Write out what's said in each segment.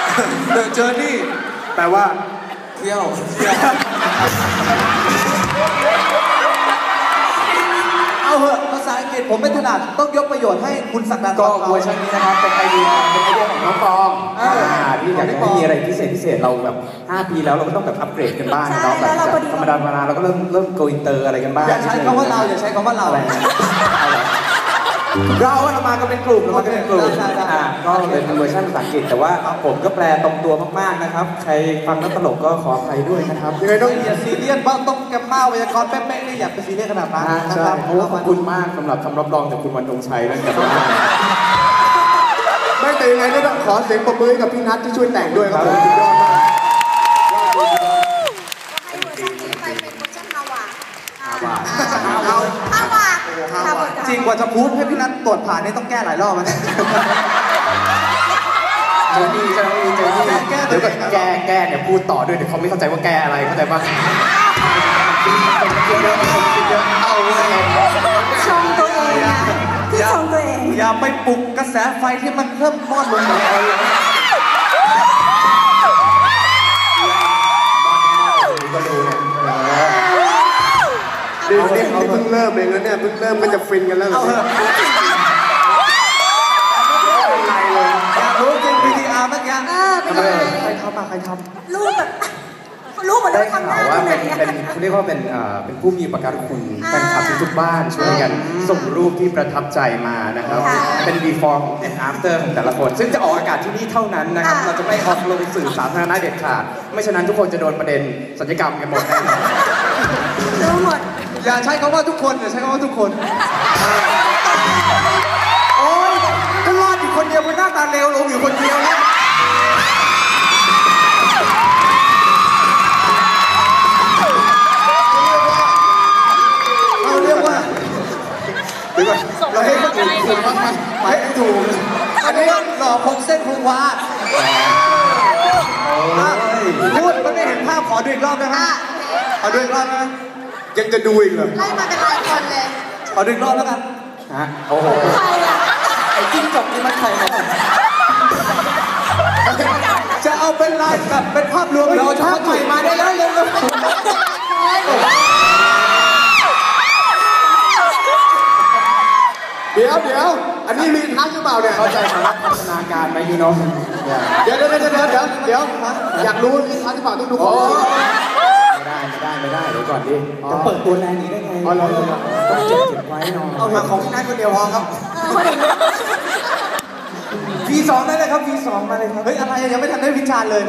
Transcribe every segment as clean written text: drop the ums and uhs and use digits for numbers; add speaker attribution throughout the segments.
Speaker 1: The Journey
Speaker 2: แปลว่า
Speaker 1: เที่ยวเอาเหอะภาษาอังกฤษผมไม่ถนัดต้องยกประโยชน์ให้คุณศักดิ์นันท์ก็เวอร์ชันนี้นะครับเป็นไอเดียของน้องฟองที่อยากให้มีอะไรพิเศษเราแบบ5 ปีแล้วเราก็ต้องแบบอัปเกรดกันบ้างเนาะแบบธรรมดาเราก็เริ่มโกอินเตอร์อะไรกันบ้างอย่าใช้คำว่าเราอย่าใช้คำว่าเราเรามากันเป็นกลุ่มก็เป็นเวอร์ชันภาษาอังกฤษแต่ว่าผมก็แปลตรงตัวมากๆนะครับใครฟังแล้วตลกก็ขออภัยด้วยนะครับยังไงต้องอย่าซีเรียสบ้างต้องแกมมาไวยากรณ์เป๊ะๆนี่อย่าไปซีเรียสขนาดนั้นนะครับขอบคุณมากสำหรับคำรับรองจากคุณวันธงชัยและกับ
Speaker 2: ไม่แต่ยังไงก็ต้องขอเสียงปรบมือกับพี่นัทที่ช่วยแต่งด้วยครับผมสุดยอดมาก
Speaker 3: ให้เวอร์ชันนี้ไปเป็นเวอร์ชันฮาวา
Speaker 1: จริงกว่าจะพูดให้พี่นัทตรวจผ่านนี่ต้องแก้หลายรอบนะเจอนี่เดี๋ยวแก้เนี่ยพูดต่อด้วยเดี๋ยวเขาไม่เข้าใจว่าแก้อะไรเข้าใจป่ะเอาเลย
Speaker 3: ชมตัวเองนะที่ชมตัวเอง
Speaker 1: อย่าไปปลุกกระแสไฟที่มันเริ่มมอดลงเลย
Speaker 2: ก็ดูเนี่ยเดี๋ยวนี้เพิ่งเริ่มเองแล้วเนี่ยเพิ่งเริ่มก็จะฟินกันแล้ว
Speaker 1: อยากรู้จริง VTR เมื่อกี้
Speaker 3: เป็นยังไง
Speaker 1: ใครทำ
Speaker 3: รู้แบบรู้หมดเลยทำหน้าที่ไหน
Speaker 1: เขาเรียกว่าเป็นผู้มีอุปการะคุณแฟนคลับทุกบ้านช่วยกันส่งรูปที่ประทับใจมานะครับเป็น before and after ของแต่ละคนซึ่งจะออกอากาศที่นี่เท่านั้นนะครับเราจะไม่ออกลงสื่อสาธารณะเด็ดขาดไม่ฉะนั้นทุกคนจะโดนประเด็นศัลยกรรมกันหมดแน่นอน
Speaker 3: รู้หมด
Speaker 1: อย่าใช้คำว่าทุกคนอย่าใช้คำว่าทุกคนโอ๊ยก็รอดอยู่คนเดียวเป็นหน้าตาเลวลงอยู่คนเดียวนะเราเรียกว่าเราให้ถูกให้ถูกอันนี้หล่อพงเส้นพงวาพูดมันไม่เห็นภาพขอดูอีกรอบนะฮะขอดูอีกรอบนะ
Speaker 2: ยังจะดูอีกเหรอ
Speaker 3: ไล่มาเป็นหลายคนเลย
Speaker 1: ขอดูอีกรอบแล้วกันฮะโอ้โห
Speaker 3: ใครอะ
Speaker 1: ไอ้จิ้งจกนี่มันใครเนี่ยจะเอาเป็นลายแบบเป็นภาพรวมเราชอบใหม่มาได้แล้วเร็ว
Speaker 2: เดี๋ยวอันนี้มีทักหรือเปล่าเนี่ย
Speaker 1: เข้าใจสำหรับพัฒนาการไหมยูโน่
Speaker 2: เดี๋ยวอยากรู้มีทักหรือเปล่าต้องดู
Speaker 1: ก่อนไม่ได้เดี๋ยวก่อนดิจะเปิดตัวแรงนี้ได้ไงต้องเก็บไว้น้องเอามาของพี่นัทคนเดียวพอครับV2ได้เลยครับ V2มาเลยครับเฮ้ยอะไรยังไม่ทันได้วิจารณ์เลย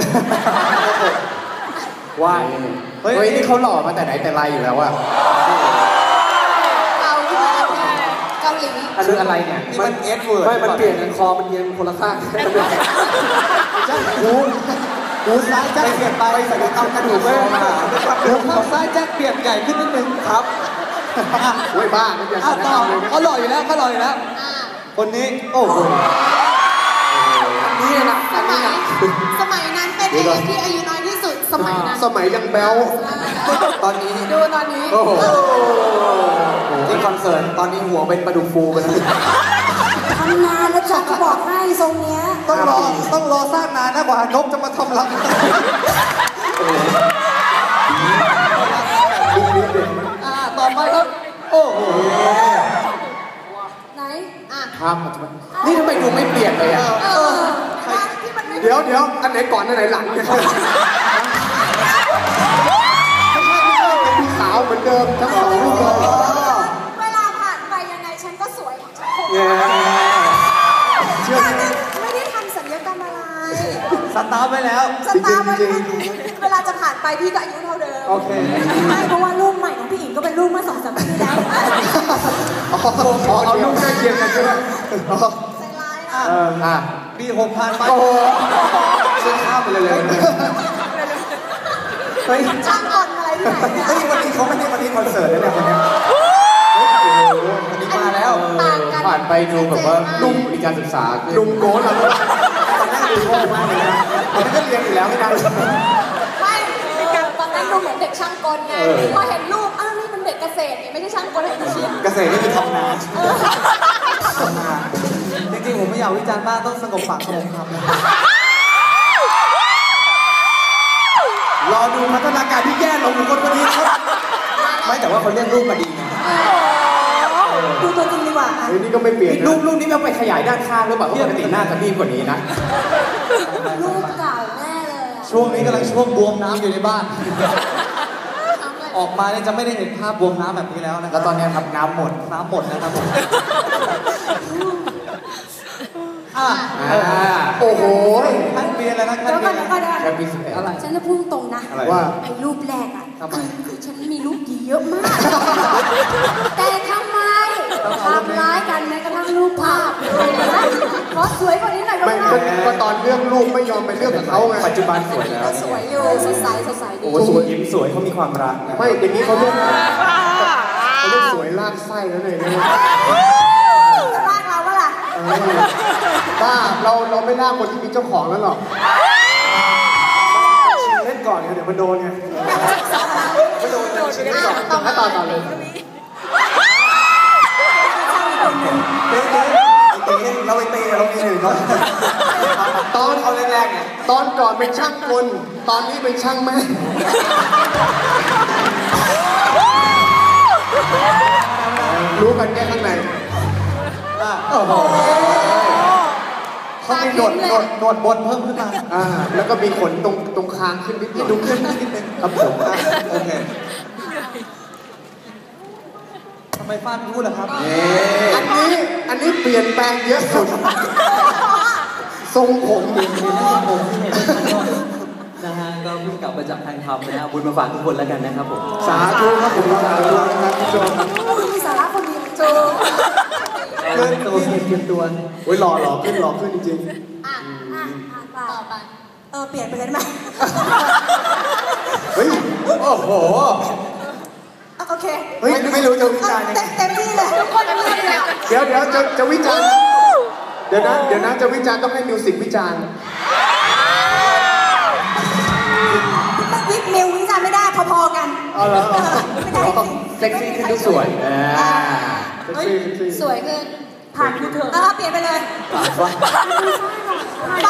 Speaker 1: ว่าเฮ้ยนี่เขาหล่อมาแต่ไหนแต่ไรอยู่แล้วอะ
Speaker 3: เกาหลี
Speaker 1: คืออะไรเนี่ยนี่มันเอสเวิร์ดไม่มันเปลี่ยนกันคอมันเอียงคนละข้างหูซ้ายแจ็คเปลี่ยนไปใส่เอากระดูกไม่มาหูข้างซ้ายแจ็คเปลี่ยนใหญ่ขึ้นนิดนึงครับ
Speaker 2: โอ้ยบ้าไม่เปลี่ยน
Speaker 1: ต่อเขาหล่ออยู่แล้วคนนี้โอ้โห
Speaker 3: นี่นะสมัยนั้นเป็นเอกที่อายุน้อยที่สุดสมัยนั้น
Speaker 2: สมัยยังแบ๊ว
Speaker 1: ตอนนี้
Speaker 3: ดูตอนนี้
Speaker 1: โอ้โหที่คอนเสิร์ตตอนนี้หัวเป็นปลาดุกฟูไปแล้ว
Speaker 3: ทำงานแล้วจักก็บอกให้ทรงเนี้ย
Speaker 1: ต้องรอสร้างนานนะกว่านกจะมาทำรังต่อไปครับโอ้โห
Speaker 3: ไหน
Speaker 1: ครับนี่ทำไมดูไม่เปลี่ยนเลยอ่ะ
Speaker 2: เดี๋ยวอันไหนก่อนอันไหนหลังเนี่ยไม่เป็นพี่สาวเหมือนเดิมทั้งสองรูปเลย
Speaker 3: เวลาผ่านไปยังไงฉันก็สวย
Speaker 1: เชื่อ
Speaker 3: ไม่ได้ทำศัลยกรรมอะไร
Speaker 1: สตาร์ทไว้แล้ว
Speaker 3: เวลาจะผ่านไปพี่ก็อายุเท่าเดิม
Speaker 1: โอเค
Speaker 3: ไม่เพราะว่ารูปใหม่ของพี่อิงก็เป็นรูปเมื่อ2-3 ปีที่แล้ว
Speaker 2: เอารูปใกล้เคียงกันใช่ไหม
Speaker 3: ใจร้าย
Speaker 1: ปี6ผ่านไปซื้อข้าวไปเลย
Speaker 3: ช่างกลอะไรที่ไหนเนี่ย
Speaker 1: วันนี้เขาไม่ได้วันนี้คอนเสิร์ตเลยเนี่ยวันนี้วันนี้มาแล้วผ่านไปดูแบบว่าลุ่มมีการศึกษา
Speaker 2: ลุ่มโก้แล้ว
Speaker 1: ตอนแรกดูโง่มากเลยนะตอนนี้ก็เรียนอยู่แล้วไม่ได้
Speaker 3: ตอนนั้นดูเหมือนเด็กช่างกลไงพอเห็นรูปอ้าวนี่เป็นเด็กเกษตรนี่ไม่ใช่ช่างกล
Speaker 1: เกษตรนี่คือทำนาจริงๆผมไม่อยากวิจารณ์มากต้องสงบปากสงบคำนะว่าเขาเลือกรูปมาดีไง
Speaker 3: ดูตัวจริงดีกว่าอ่ะ
Speaker 2: เฮ้ยนี่ก็ไม่เปลี่ยนนะ
Speaker 1: รูปนี้เราไปขยายด้านข้างหรือเปล่าเพราะปกติหน้าจะรีบกว่านี้นะ
Speaker 3: รูปเก่าแน่เลยอะ
Speaker 4: ช่วงนี้กำลังช่วงบวมน้ำอยู่ในบ้าน
Speaker 3: ทำอะไร
Speaker 4: ออกมาเนี่ยจะไม่ได้เห็นภาพบวมน้ำแบบนี้แล้วนะค
Speaker 1: แล้
Speaker 4: รับ
Speaker 1: วตอนนี้ครับน้ำหมด
Speaker 4: น้ำหมดนะครับผมอ่ะ
Speaker 2: โอ้โห
Speaker 4: ท่านเบียร์แล้วนะท่าน
Speaker 3: เดี๋ยว
Speaker 4: เบี
Speaker 3: ก่อย น
Speaker 4: ร์
Speaker 3: เดี๋ยวก่อนเดี๋ยวก่อน
Speaker 1: แค่ปี11อะไร
Speaker 3: ฉันจะพูดตรงนะ
Speaker 1: อะไร
Speaker 2: ว่า
Speaker 3: ไอ้รูปแรกอ่ะ
Speaker 4: ทำไม
Speaker 3: คือฉันมีรูปดีเยอะมาก แต่ทำไมทำร้ายกันแม้กระทั่งรูปภาพขอสวยกว่านี้หน่อยก็
Speaker 2: ไม่
Speaker 3: ได้
Speaker 2: ก็ตอนเรื่องลูกไม่ยอมไปเรื่องกับเขาไง
Speaker 1: ปัจจุบันสวยแล้ว
Speaker 3: สวยอยู่สดใสสดใสดี
Speaker 1: โอ้สวยยิ้มสวยเขามีความรักนะ
Speaker 2: ไม่อย่างนี้เขาเรียกสวยลากไส้แล้วเลยนะ
Speaker 3: ลากเราปะล่ะ
Speaker 2: บ้าเราไม่ลากคนที่มีเจ้าของแล้วหรอกเล่นก่อนไงเดี๋ยวมันโดนไงไม่โดนชิ้นเล่นก่อนถ้าต่อเลย
Speaker 1: เราไปเตะเรามีหนึ่งเนาะ
Speaker 2: ตอน
Speaker 1: เอาแรกๆเนี่ย
Speaker 2: ตอนก่อนเป็นช่างกลตอนนี้เป็นช่างแม่รู้กันแค่ข้างใน
Speaker 4: โอ้โหเขามีหนวดบนเพิ่มขึ้นมา
Speaker 2: แล้วก็มีขนตรงคางขึ้นนิดหน่อย
Speaker 4: ดูขึ้นนิดนึง
Speaker 2: ครับผม
Speaker 4: อ่ะโอเคทำไมฟาดพูดล่ะครับ
Speaker 2: อันนี้เปลี่ยนแปลงเยอะสุดทรงผม
Speaker 5: นะฮะก็เพิ่งกลับมาจากทางธรรมนะฮะบุญมาฝากทุกคนแล้วกันนะครับผม
Speaker 2: สาธุครับผมสาธุครับผู้ชม
Speaker 3: มีสาระคนดีโจ
Speaker 5: เกินตัวเตรียมตัว
Speaker 2: โอ้ยหล่อขึ้นจริง
Speaker 3: อ่ะต่อไปเปลี่ยนไปเลยได้ไหม
Speaker 2: ๆเฮ้ย
Speaker 1: โอ้โห
Speaker 3: โอเค
Speaker 2: เฮ้ยไม่รู้จะวิจารณ์ยังไง
Speaker 3: เต็มที่เลยทุกคนเลือกแล้ว
Speaker 2: เดี๋ยวจะวิจารณ์เดี๋ยวนะจะวิจารณ์ต้องให้มิวสิกวิจารณ์
Speaker 3: วิกมิววิจารณ์ไม่ได้พอๆกัน
Speaker 2: เอาเหรอ
Speaker 3: ไม่ได้จริง
Speaker 1: เซ็กซี่ขึ้นทุกสวย
Speaker 2: เซ็กซี่
Speaker 3: สวยขึ้นผ่านกูเถอะเปลี่ยนไปเลยไป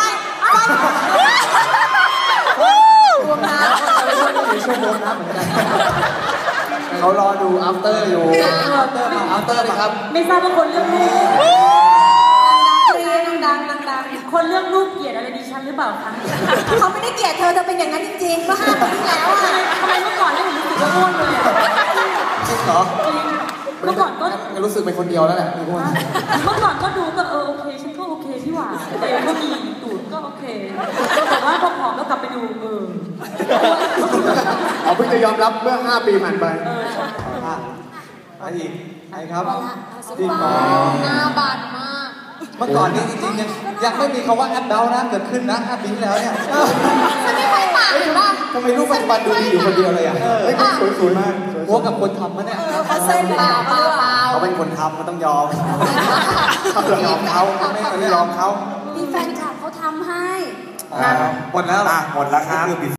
Speaker 3: รวมน้ำ
Speaker 4: มีช่วงบวมน้ำเหมือนกัน
Speaker 1: เขารอดู after อยู่
Speaker 4: เอาเตอร์เลยครับ
Speaker 6: ไม่ทราบว่าคนเลือกรูป
Speaker 3: ดัง
Speaker 6: คนเลือกรูปเกลียดอะไรดิฉันหรือเปล่าคะ
Speaker 3: เขาไม่ได้เกลียดเธอเป็นอย่างนั้นจริงๆเมื่อ5 ปีที่แล้วอ่ะ
Speaker 6: ทำไมเมื่อก่อนไม่เห็นรู้สึกว่าอ้วนเลยอะ
Speaker 4: จริงเหรอ
Speaker 6: จริงเมื่อก่อนก็
Speaker 4: งั้นรู้สึกเป็นคนเดียวแล้วแหละพี่อ้วน
Speaker 6: เมื่อก่อนก็ดูก็โอเคฉันก็โอเคพี่หว่าแต่ก็มีตูดก็โอเคแต่ว่าพอผอมแล้วกลับไปดู
Speaker 2: เอาเพิ่งจะยอมรับเมื่อ5 ปีผ่านไป
Speaker 6: ใช่
Speaker 4: ไปอีกใครครับ
Speaker 3: พี่ปอหน้าบานมาก
Speaker 4: เมื่อก่อนนี่จริงๆยังไม่มีคำว่าแอปเดานะเกิดขึ้นนะ5 ปีที่แล้วเนี่ย
Speaker 3: ฉันไม่เคยปากหรือว่า
Speaker 4: ทำไมรูปปัจจุบันดูดีอยู่คนเดียวเลยอ่ะ
Speaker 2: เฮ้ยสวยมาก
Speaker 4: หัวกับคนทำมะเนี่ย
Speaker 3: เขาเส้นเปล่า
Speaker 4: เขาเป็นคนทำมันต้องยอมยอมเขาไม่ยอมเขา
Speaker 3: มีแฟนคลับเขาทำให้
Speaker 4: หมดแล้วหมดแล้วครับ